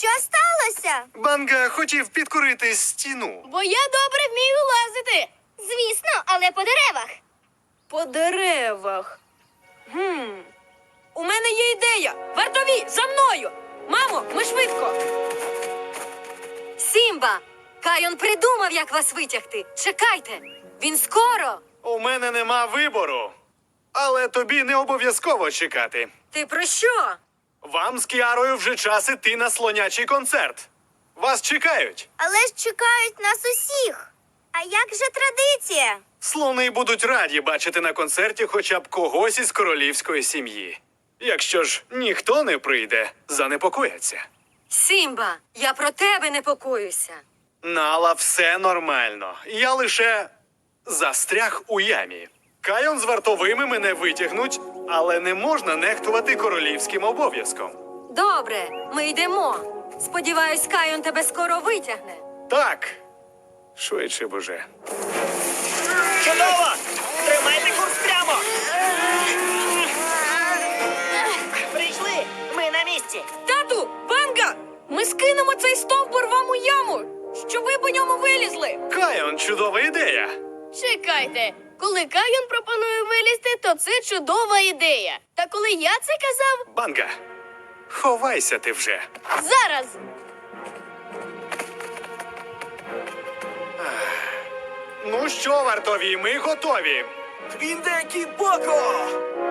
Що сталося? Банга хотів підкорити стіну. Бо я добре вмію лазити. Звісно, але по деревах. По деревах. У мене є ідея. Вартові, за мною! Мамо, ми швидко. Сімба! Кайон придумав, як вас витягти. Чекайте, він скоро. У мене нема вибору. Але тобі не обов'язково чекати. Ти про що? Вам з Кіарою вже час іти на слонячий концерт. Вас чекають. Але ж чекають нас усіх. А як же традиція? Слони будуть раді бачити на концерті хоча б когось із королівської сім'ї. Якщо ж ніхто не прийде, занепокояться. Сімба, я про тебе непокоюся. Нала, все нормально. Я лише застряг у ямі. Кайон з вартовими мене витягнуть, але не можна нехтувати королівським обов'язком. Добре, ми йдемо. Сподіваюсь, Кайон тебе скоро витягне. Так. Швидше, боже. Чудово! Тримайте курс прямо! Прийшли! Ми на місці! Тату, Банга! Ми скинемо цей стовбур вам у яму, щоб ви по ньому вилізли. Кайон, чудова ідея. Чекайте, коли Кайон пропонує вилізти, то це чудова ідея. Та коли я це казав, Банга, ховайся ти вже. зараз. Ну що, вартові, ми готові. Твіндекі Боко!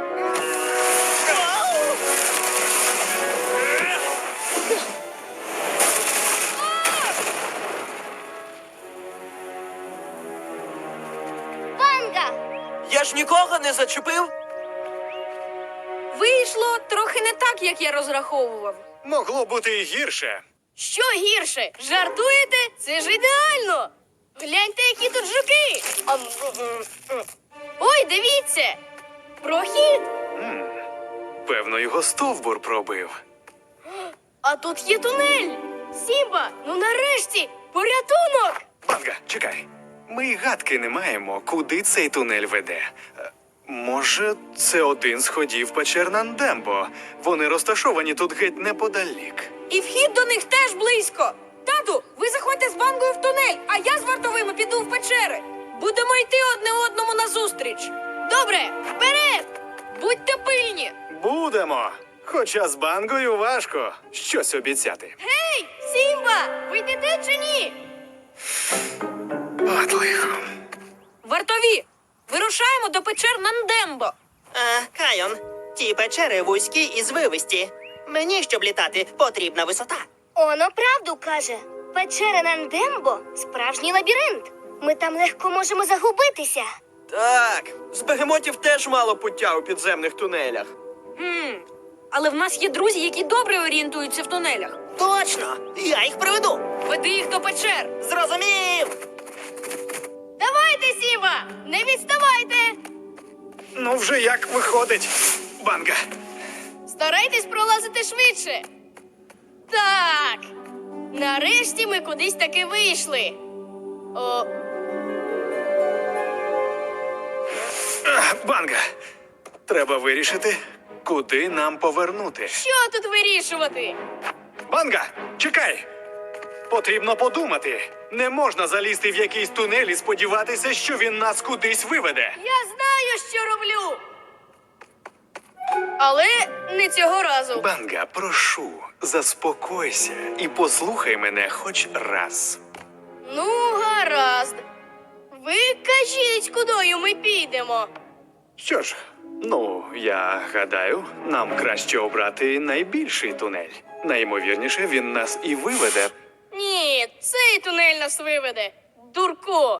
Банга! Я ж нікого не зачепив? Вийшло трохи не так, як я розраховував. Могло бути і гірше. Що гірше? Жартуєте? Це ж ідеально! Гляньте, які тут жуки! Ой, дивіться! Прохід! Певно, його стовбур пробив. А тут є тунель! Сімба, ну нарешті! Порятунок! Банга, чекай. Ми й гадки не маємо, куди цей тунель веде. Може, це один з ходів печер Нандембо. Вони розташовані тут геть неподалік. І вхід до них теж близько. Тату, ви заходьте з Бангою в тунель, а я з вартовими піду в печери. Будемо йти одне одному назустріч. Добре, вперед! Будьте пильні. Будемо. Хоча з Бангою важко щось обіцяти. Гей, Сімба, ви йдете чи ні? От лихо. Вартові, вирушаємо до печер Нандембо. Кайон, ті печери вузькі і звивисті. Мені, щоб літати, потрібна висота. Оно правду каже. Печера Нандембо – справжній лабіринт. Ми там легко можемо загубитися. Так, з бегемотів теж мало пуття у підземних тунелях. Але в нас є друзі, які добре орієнтуються в тунелях. Точно! Я їх приведу! Веди їх до печер. Зрозумів! Давайте, Сімба, не відставайте! Ну вже як виходить, Банга. Старайтесь пролазити швидше. Так. Нарешті ми кудись таки вийшли. О, Банга, треба вирішити, куди нам повернути. що тут вирішувати? Банга, чекай! Потрібно подумати. Не можна залізти в якийсь тунель і сподіватися, що він нас кудись виведе. Я знаю, що роблю. Але не цього разу. Банга, прошу, заспокойся і послухай мене хоч раз. Ну, гаразд. Ви кажіть, кудою ми підемо. Що ж, ну, я гадаю, нам краще обрати найбільший тунель. Найімовірніше, він нас і виведе. Ні, цей тунель нас виведе. Дурко.